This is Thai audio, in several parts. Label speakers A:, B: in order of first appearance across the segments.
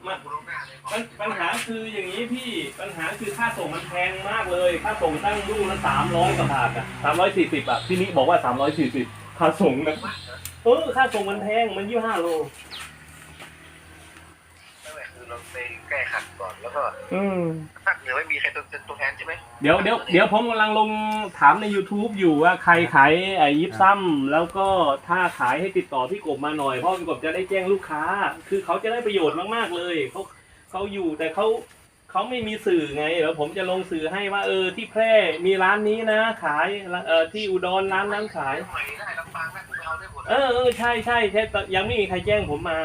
A: ปัญหาคืออย่างนี้พี่ปัญหาคือค่าส่งมันแพงมากเลยค่าส่งตั้งลูกละ300 กว่าบาทอ่ะ340อ่ะพี่นิบอกว่า340ค่าส่งนะค่าส่งมันแพงมัน25 โล
B: นั่นแหละคือเราไปแก้ขัดก่อนแล้วก็ภาคเหนือไม่มีใครเป็นตัวแทนใช่ไหม
A: เดี๋ยวผมกำลังลงถามใน YouTube อยู่ว่าใครขายยิปซัมแล้วก็ถ้าขายให้ติดต่อพี่กบมาหน่อยเพราะพี่กบจะได้แจ้งลูกค้าคือเขาจะได้ประโยชน์มากๆเลยเขาอยู่แต่เขาไม่มีสื่อไงแล้วผมจะลงสื่อให้ว่าที่แพร่มีร้านนี้นะขายที่อุดรร้านนั้นขายใช่ยังไม่มีใครแจ้งผมมา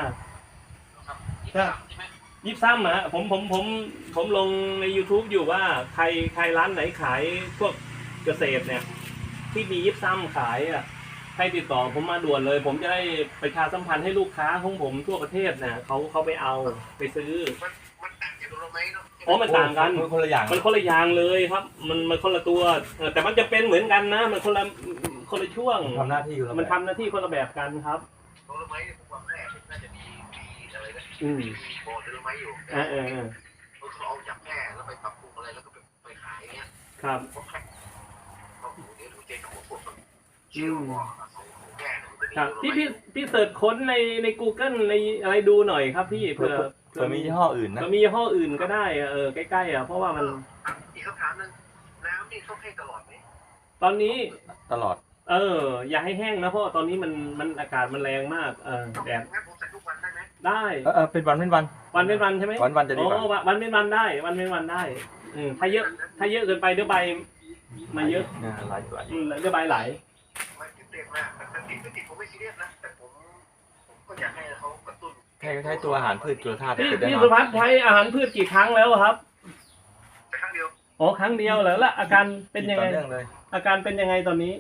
A: ยิบซ้ำอะผมลงใน YouTube อยู่ว่าใครร้านไหนขายพวกเกษตรเนี่ยที่มียิบซ้ำขายอ่ะให้ติดต่อผมมาด่วนเลยผมจะได้ประชาสัมพันธ์ให้ลูกค้าของผมทั่วประเทศเนี่ยเขาไปเอาไปซื้อ
B: มันต่างจากเราไหมเนาะ
A: มันต่างกัน
C: มันคนละ
A: อย่างเลยครับมันคนละตัวแต่มันจะเป็นเหมือนกันนะมันคนละช่วง
C: ทำหน้าที่
A: มันทำหน้าที่คนละแบบกันครับ
B: เราไหมผมว่าแม่น่าจะมีอะไรนะโบเดลไม้อยู่เขาเอาจากแม่แล้วไปปรับปรุงอะไรแล้วก็ไปขายเงี้ย
A: ครับ
B: ก็เดี๋ยวดูเจ๊ของผมชื่อว่า
A: ครับพี่เสิร์ชค้นใน Google ในอะไรดูหน่อยครับพี่เผื่อ
C: มียี่ห้ออื่นนะ
A: มียี่ห้ออื่นก็ได้ใกล้ๆเพราะว่ามัน
B: อีกคำถามนึงน้ำนี่ต้องให้ตลอดไหม
A: ตอนนี้
C: ตลอด
A: อย่าให้แห้งนะเพราะตอนนี้มันอากาศมันแรงมากแดด
B: งั้นผมใส่ทุกวันได้ไหม
A: ได้
C: เป็นวัน
A: ใช่ไหม
C: วันจะดีกว่า
A: วันเป็นวันได้วันเป็นวันได้ถ้าเยอะเกินไปเดี๋ยวใบมาเยอะ
C: หลายตัว
A: เดี๋ยวใบไหล
B: ไม่ติดมากแต่ติดผมไม่ซีเรียสนะแต่ผมก็อยากให้เขากระตุ้น
C: ใช้ตัวอาหารพืชตัวธาตุ
A: พี่สุภัสใช้อาหารพืชกี่ครั้งแล้วครับ
B: ครั้งเดียว
A: ครั้งเดียวแล้วอาการเป็นยังไงอาการเป็นยังไงตอนนี้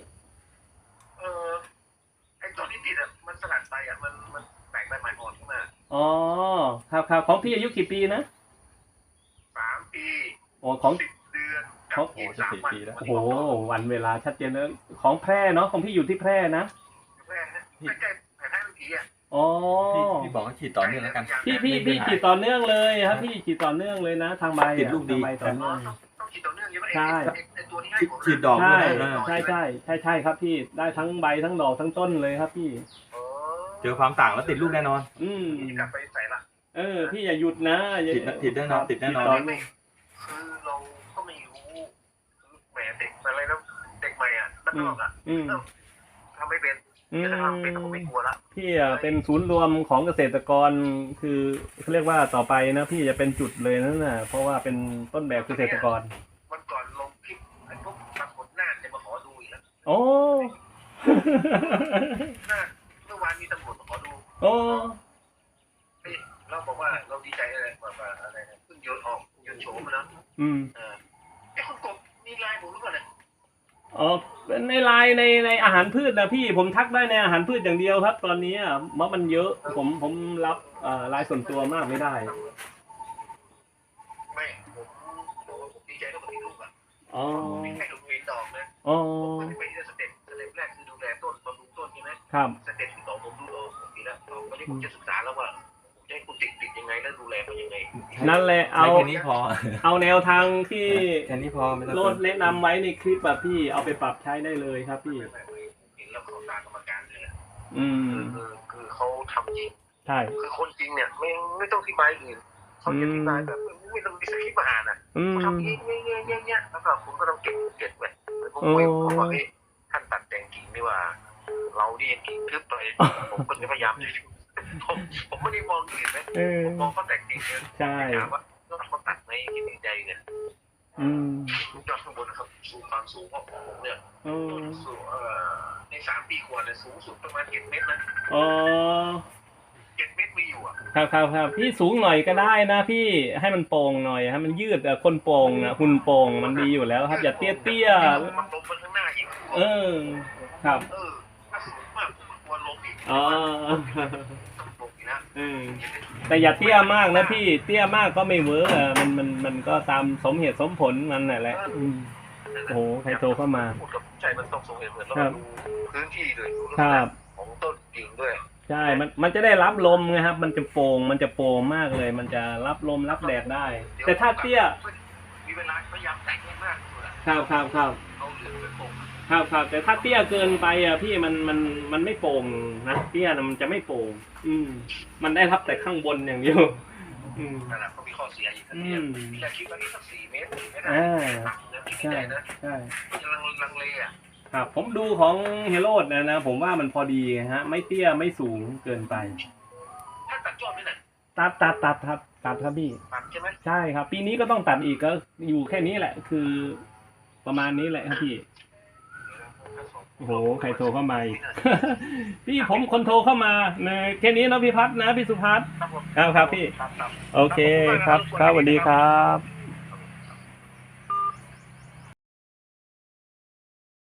B: ไอ้ตัวที่ติดมันสลัดไปมันแตกใบใหม่อ่อนขึ้นมา
A: ครับของพี่อายุกี่ปีนะ
B: 3 ปี
A: ของ
B: 10 เดือน
C: ของ4 ปีแล้ว
A: วันเวลาชัดเจนเลยของแพร่เนาะของพี่อยู่ที่แพร่นะ
B: แพร่นะใกล้ๆแพร่ทุกที
C: พี่บอกว่าฉีดต่อเนื่องแล้วกัน
A: พี่ฉีดต่อเนื่องเลยครับพี่ฉีดต่อเนื่องเลยนะทางใบ
C: ติดลูกดี
A: ต่อเนื่อง
B: ต้องฉีดต่อเนื่องใช่ไหมไอ้ตัวที่ให้ผม
C: ฉีดดอก
A: ใช่ครับพี่ได้ทั้งใบทั้งดอกทั้งต้นเลยครับพี่
C: เจอความต่างแล้วติดลูกแน่นอน
B: กลับไปใส่ละ
A: พี่อย่าหยุดนะ
C: ติดแน่นอน
B: คือเราก็ไม่รู้แหมเด็กอะไรแล้วเด็กใหม่นักร้องทำไม่เป็นจะทำเป็นผมไม่กลัวละ
A: พี่เป็นศูนย์รวมของเกษตรกรคือเขาเรียกว่าต่อไปนะพี่จะเป็นจุดเลยนั่นน่ะเพราะว่าเป็นต้นแบบเกษตรกร
B: วันก่อนลงคลิปไอ้พวกนักผลหน้าจะมาขอดูอีกแล้วเมื่อวานมีตำรวจมาขอดูเราบอกว่าเราดีใจอะไรว่าอะไรเพิ่งโยนโฉมนะไอ้คนกบมีไลน์ผมรู้ป่ะเนี่ย
A: ในไลน์ในอาหารพืชนะพี่ผมทักได้ในอาหารพืชอย่างเดียวครับตอนนี้มันเยอะผมรับไลน์ส่วนตัวมากไม่ได้
B: ไม่ผมดีใจที่ผมมีลูกมีแค่ดูเห็นดอกนะผมไม่ได้สเต็ปแรกคือดูแลต้นบำรุงต้นใช่ไหม
A: ครับ
B: สเต็ปที่2ผมดูผมดีแล้วตอนนี้ผมจะศึกษาแล้วว่าจะให้คุณติดยังไงแล้วดูแลมันยังไง
A: นั่นแหละเอา
C: แค่นี้พอ
A: เอาแนวทางที่
C: แค่นี้พอ
A: โลดแนะนำไว้ในคลิปแบบพี่เอาไปปรับใช้ได้เลยครับพี่
B: เห็นแล้วเขาตามกรรมการเลยคือเขาทำจริง
A: ใช่
B: คือคนจริงเนี่ยไม่ต้องอธิบายอื่นเขาจะอธิบายแบบไม่ต้องมีสคริปต์มาอ่านเขาทำเงี้ยแล้วก็คุณก็ต้องเก็บไว้ผมว่าท่านตัดแต่งกิ่งนี่ว่าเราดิกิ่งทึบไปผมก็จะพยายามผมไม่ได้มองอื่นนะผมมองเขาแต่งกิ่งเนี่ยถามว่าเขาตัดในกิ่งใจเนี่ยยอดข้างบนนะครับสูงความสูงของผมเนี่ยสูงใน3 ปีกว่าเนี่ยสูงสุดประมาณ7 เมตรนะ7 เมตรมีอยู่
A: ครับพี่สูงหน่อยก็ได้นะพี่ให้มันโป่งหน่อยให้มันยืดคนโป่งหุ่นโป่งมันดีอยู่แล้วครับอย่าเตี้ย
B: มันลงไปข้างหน้าอีก
A: ครับ
B: ถ้าสูงมากมันกลัวลงอีก
A: แต่อย่าเตี้ยมากนะพี่เตี้ยมากก็ไม่เวิร์กมันก็ตามสมเหตุสมผลมันแหละโอ้โหใครโทรเข้ามา
B: พูดกับใจมันต้องสมเหตุเหมือนเราดูพื้นที่ด้วยดูของต้นกิ่งด้วย
A: ใช่มันจะได้รับลมไงครับ มันจะโปร่งมากเลย มันจะรับลมรับแดดได้ แต่ถ้าเตี้ย
B: มีเวลาพยายามแต่งให้มากที่สุดอะ
A: ครับ
B: เอาเหลืองไปโปะ
A: ครับแต่ถ้าเตี้ยเกินไปอ่ะพี่มันไม่โปร่งนะเตี้ยนะมันจะไม่โปร่งมันได้รับแต่ข้างบนอย่างเดียว
B: นั่นแหละก็มีข้อเสียอีกอันเดียวมีแค่คิดว่านี่สัก4 เมตรไม่ได้คิด
A: ใช่
B: ได้นะ
A: ใช่
B: มันจะลังเลอ่ะ
A: ครับผมดูของเฮโรดนะผมว่ามันพอดีฮะไม่เตี้ยไม่สูงเกินไป
B: ถ้าตัดยอดนี่แหละ
A: ตัดครับพี่
B: ตัดใช่ไหม
A: ใช่ครับ ปีนี้ก็ต้องตัดอีกก็อยู่แค่นี้แหละ คือประมาณนี้แหละครับพี่โอ้โหใครโทรเข้ามาอีก พี่ผมคนโทรเข้ามาแค่นี้เนาะพี่พัฒน์นะพี่สุพัฒน์
B: ครับผม
A: ครับพี่
B: ครับ
A: โอเคครับสวัสดีครับ